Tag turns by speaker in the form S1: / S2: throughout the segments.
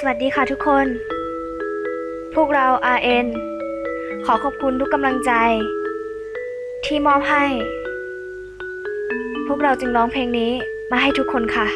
S1: วัสดีค่ะทุกคนพวกเรา RN ขอขอบคุณทุกกำลังใจที่มอบให้พวกเราจึงร้องเพลงนี้มาให้ทุกคนค่ะ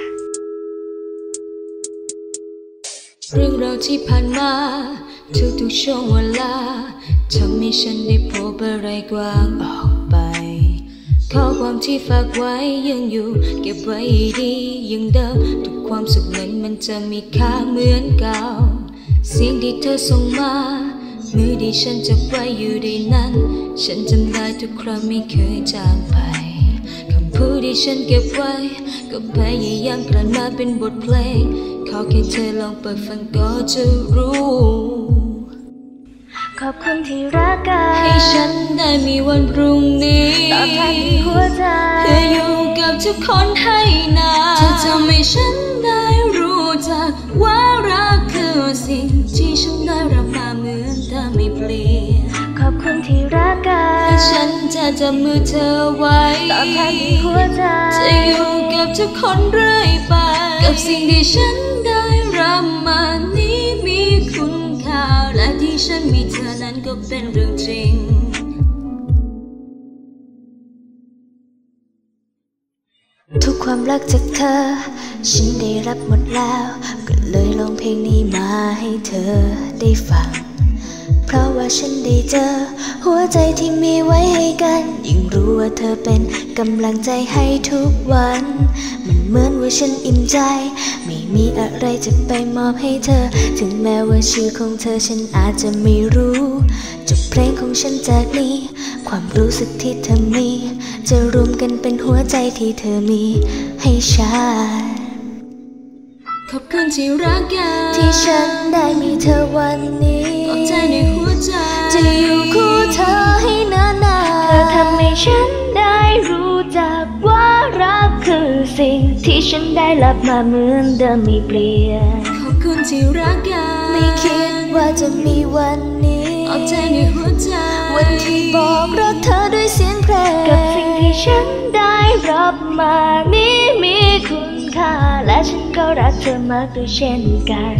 S2: เรื่องราวที่ผ่านมาทุกช่วงเวลาทำให้ฉันได้พบอะไรกว้างออกไปข้อความที่ฝากไว้ยังอยู่เก็บไว้ดียังเดิมทุกความสุขนั้นมันจะมีค่าเหมือนเก่าเสียงที่เธอส่งมามือที่ฉันจับไว้อยู่ในนั้นฉันจำได้ทุกครั้งไม่เคยจางไปคำพูดที่ฉันเก็บไว้ก็พยายามกลั่นมาเป็นบทเพลงขอแค่เธอลองเปิดฟังก็จะรู้
S1: ขอบคุณที่รักกัน
S2: ให้ฉันได้มีวันพรุ่งนี้
S1: ตอบแทนที่หัวใจ
S2: เพื่ออยู่กับทุกคนให้นานเธอทำให้ฉันได้รู้จักว่ารักคือสิ่งที่ฉันได้รับมาเหมือนเธอไม่เปลี่ยน
S1: ขอบคุณที่รักกัน
S2: ให้ฉันจะจับมือเธอไว้
S1: ตอบแทนที่หัวใจ
S2: จะอยู่กับทุกคนเรื่อยไปกับสิ่งที่ฉันได้รับมานี้มีคุณค่าและที่ฉันมีเธอนั้นก็เป็นเรื่องจริง
S1: ทุกความรักจากเธอฉันได้รับหมดแล้วก็เลยร้องเพลงนี้มาให้เธอได้ฟังเพราะว่าฉันได้เจอหัวใจที่มีไว้ให้กันยิ่งรู้ว่าเธอเป็นกำลังใจให้ทุกวันมันเหมือนว่าฉันอิ่มใจไม่มีอะไรจะไปมอบให้เธอถึงแม้ว่าชื่อของเธอฉันอาจจะไม่รู้จบเพลงของฉันจากนี้ความรู้สึกที่เธอมีจะรวมกันเป็นหัวใจที่เธอมีให้ฉัน
S2: ขอบคุณที่รักกัน
S1: ที่ฉันได้มีเธอวันนี้
S2: ปลอบใจในหัวใจ
S1: จะอยู่คู่เธอให้นานๆเธอทำให้ฉันได้รู้จักว่ารักคือสิ่งที่ฉันได้รับมาเหมือนเดิมไม่เปลี่ยน
S2: ขอบคุณที่รักกัน
S1: ไม่คิดว่าจะมีวันนี้
S2: ปลอบใจในหัวใจ
S1: วันที่บอกรักเธอด้วยเสียงเพลงกับสิ่งที่ฉันได้รับมานี้มีคุณค่าและฉันก็รักเธอมากด้วยเช่นกัน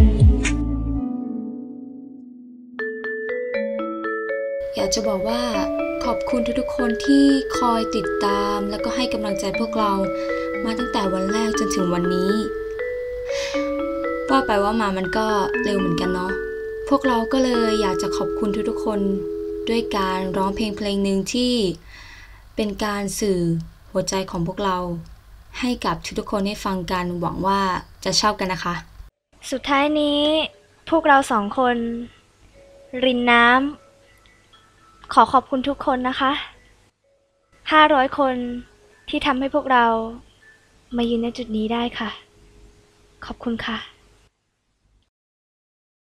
S2: อยากจะบอกว่าขอบคุณทุกๆคนที่คอยติดตามแล้วก็ให้กำลังใจพวกเรามาตั้งแต่วันแรกจนถึงวันนี้ว่าไปว่ามามันก็เร็วเหมือนกันเนาะพวกเราก็เลยอยากจะขอบคุณทุกๆคนด้วยการร้องเพลงหนึ่งที่เป็นการสื่อหัวใจของพวกเราให้กับทุกๆคนได้ฟังกันหวังว่าจะชอบกันนะคะ
S1: สุดท้ายนี้พวกเรา2 คนรินน้ำขอบคุณทุกคนนะคะ500 คนที่ทำให้พวกเรามายืนในจุดนี้ได้ค่ะขอบคุณค่ะ